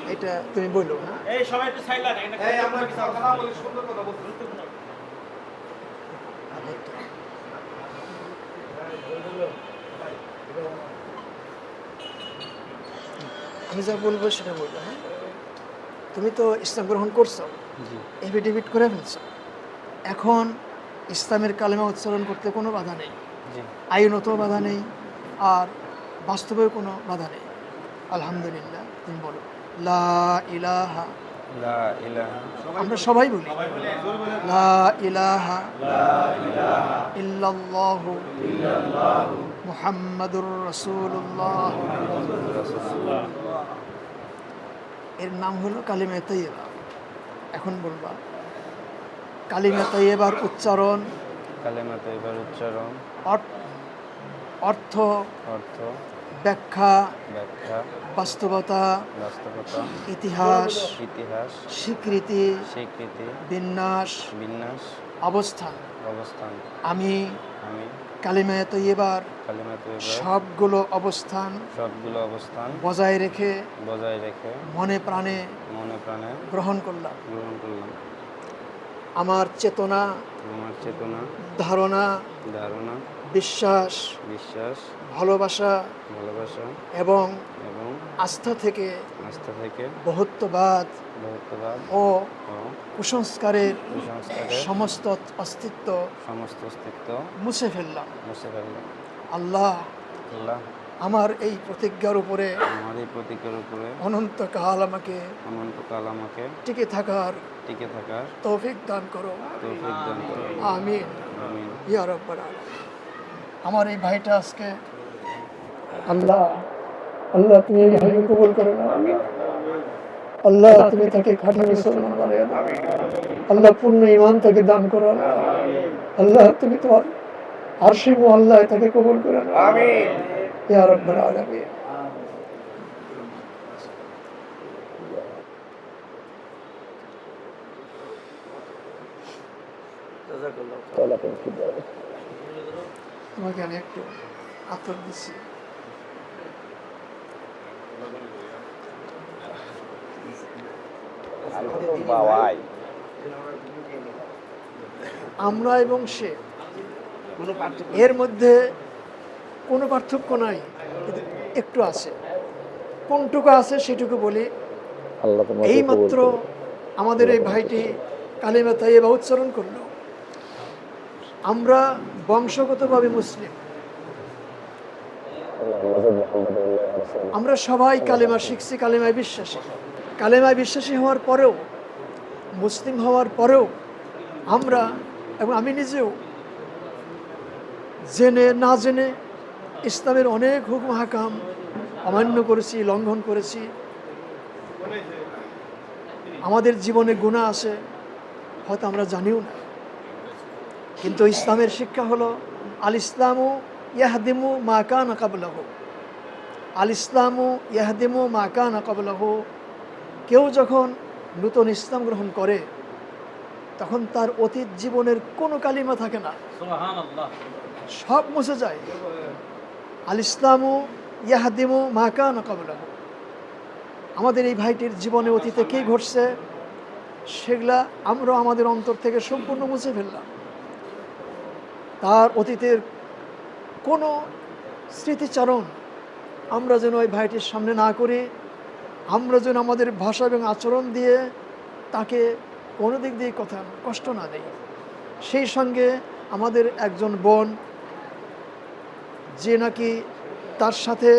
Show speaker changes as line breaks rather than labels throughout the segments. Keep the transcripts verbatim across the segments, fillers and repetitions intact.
এটা তুমি বলো। হ্যাঁ
এই সবাই একটু সাইলেন্ট, এই আমরা কথা না বলি সুন্দর কথা বলতে।
আমি যা বলবো সেটা বলবো। হ্যাঁ তুমি তো ইসলাম গ্রহণ করছো, এফিডেভিট করে ফেলছো, এখন ইসলামের কালেমা উচ্চারণ করতে কোনো বাধা নেই, আইনত বাধা নেই, আর বাস্তবেও কোনো বাধা নেই। আলহামদুলিল্লাহ তুমি বলো লা ইলাহা,
লা ইলাহা,
আমরা সবাই বলি লা ইলাহা ইল্লাল্লাহু মুহাম্মাদুর রাসূলুল্লাহ। এর নাম হলো কালিমা তাইয়্যিবা। এখন বলবা কালিমা তাইয়্যিবার উচ্চারণ,
কালেমা তাইয়্যিবার উচ্চারণ,
অর্থ,
অর্থ,
ব্যাখ্যা,
ব্যাখ্যা,
বাস্তবতা,
বাস্তবতা,
ইতিহাস,
ইতিহাস,
স্বীকৃতি,
স্বীকৃতি,
বিন্যাস,
বিন্যাস,
অবস্থান।
অবস্থান।
আমি
আমি
কালিমা তাইয়্যিবার
কালেমা তাইয়্যিবার
সবগুলো অবস্থান
সবগুলো অবস্থান
বজায় রেখে
বজায় রেখে
মনে প্রাণে
মনে প্রাণে
গ্রহণ করলাম।
গ্রহণ করলাম।
আমার চেতনা,
আমার চেতনা,
ধারণা,
ধারণা,
বিশ্বাস,
বিশ্বাস,
ভালোবাসা
ভালোবাসা
এবং
এবং
আস্থা থেকে
আস্থা থেকে
বহুত্ববাদ
বহুত্ববাদ
ও
ও
কুসংস্কারের
কুসংস্কারের
সমস্ত অস্তিত্ব
সমস্ত অস্তিত্ব
মুছে ফেললাম।
মুছে ফেললাম।
আল্লাহ
আল্লাহ
আমার এই প্রতিজ্ঞার উপরে
আমার এই প্রতীকের উপরে
অনন্তকাল আমাকে
অনন্তকাল আমাকে
টিকে থাকার
টিকে থাকার
তৌফিক দান করো।
তৌফিক দান করো।
আমিন
আমিন।
ইয়া রাব্বাল আলামিন। আমার এই ভাইটা আজকে আল্লাহ আল্লাহ তুমি এই ভাইকে কবুল করে নাও। আল্লাহ তুমি তাকে খাঁটি মুসলমান বানিয়ে দাও। আল্লাহ পূর্ণ ঈমান তাকে দান করো। আল্লাহ তুমি তোমার আরশে মুআল্লায় তাকে কবুল করে নাও। আমিন ইয়া রাব্বাল আলামিন। তোমাকে আমি একটু আতর দিচ্ছি। আমরা এবং সে এর মধ্যে কোনো পার্থক্য নাই, কিন্তু একটু আছে। কোনটুকু আছে সেটুকু বলি। এই মাত্র আমাদের এই ভাইটি কালিমা তাইয়্যিবা উচ্চারণ করলো। আমরা বংশগতভাবে মুসলিম, আমরা সবাই কালেমা শিখছি, কালেমায় বিশ্বাসী। কালেমায় বিশ্বাসী হওয়ার পরেও, মুসলিম হওয়ার পরেও আমরা এবং আমি নিজেও জেনে না জেনে ইসলামের অনেক হুকুম হাকাম অমান্য করেছি, লঙ্ঘন করেছি। আমাদের জীবনে গুনাহ আছে, হয়তো আমরা জানিও না। কিন্তু ইসলামের শিক্ষা হলো আল ইসলামু ইয়াহদিমু মা কানা ক্বাবলাহু, আল ইসলামু ইয়াহদিমু মা কানা ক্বাবলাহু। কেউ যখন নূতন ইসলাম গ্রহণ করে তখন তার অতীত জীবনের কোনো কালিমা থাকে না,
সুবহানাল্লাহ,
সব মুছে যায়। আল ইসলামু ইয়াহদিমু মা কানা ক্বাবলাহু। আমাদের এই ভাইটির জীবনে অতীতে কী ঘটছে সেগুলা আমরা আমাদের অন্তর থেকে সম্পূর্ণ মুছে ফেললাম। তার অতীতের কোনো স্মৃতিচারণ আমরা যেন ওই ভাইটির সামনে না করি। আমরা যেন আমাদের ভাষা এবং আচরণ দিয়ে তাকে কোনো দিক দিয়ে কথা কষ্ট না দেই। সেই সঙ্গে আমাদের একজন বোন যে নাকি তার সাথে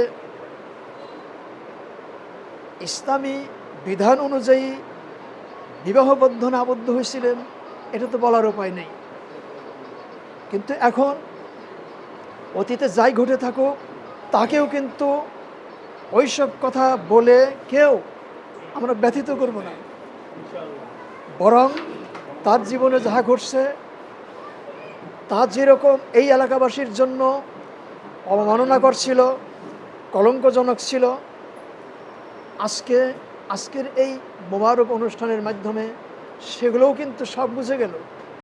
ইসলামী বিধান অনুযায়ী বিবাহ বন্ধনে আবদ্ধ হয়েছিলেন, এটা তো বলার উপায় নেই। কিন্তু এখন অতীতে যাই ঘটে থাকুক তাকেও কিন্তু ওইসব কথা বলে কেউ আমরা ব্যথিত করব না, বরং তার জীবনে যাহা ঘটছে তা যেরকম এই এলাকাবাসীর জন্য অবমাননাকর ছিল, কলঙ্কজনক ছিল, আজকে আজকের এই মোবারক অনুষ্ঠানের মাধ্যমে সেগুলোও কিন্তু সব বুঝে গেল।